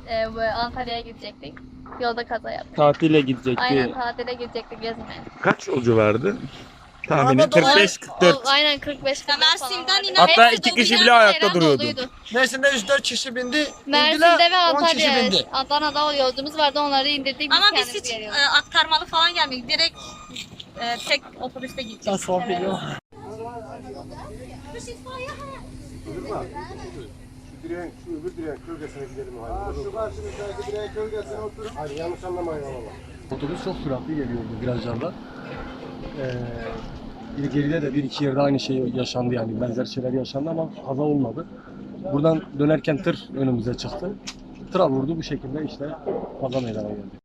Antalya'ya gidecektik. Yolda kaza yaptık. Tatile gidecekti. Aynen tatile gidecektik gezmeye. Kaç yolcu vardı? Tahmini 45-44. Aynen 45 40 Mersin'den inen Hatta Hepsi iki doluydu. kişi bile ayakta Ceylan duruyordu. doluydu. Mersin'de 104 kişi bindi. Mersin'de indiler, ve 10 kişi Antalya'ya. bindi. Adana'da yolcumuz vardı, onları indirdik. Ama biz kendimiz hiç geliyoruz. aktarmalı falan gelmedik. Direkt tek otobüste gideceğiz. Şu öbür direğin kölgesine gidelim. Şu karşımızdaki direğin kölgesine oturun. Hayır yanlış anlamayın ama. Otobüs çok süratli geliyordu virajlarda. Bir geride de bir iki yerde aynı şey yaşandı yani benzer şeyler yaşandı ama kaza olmadı. Buradan dönerken tır önümüze çıktı. Tıra vurdu bu şekilde işte kaza meydana geldi.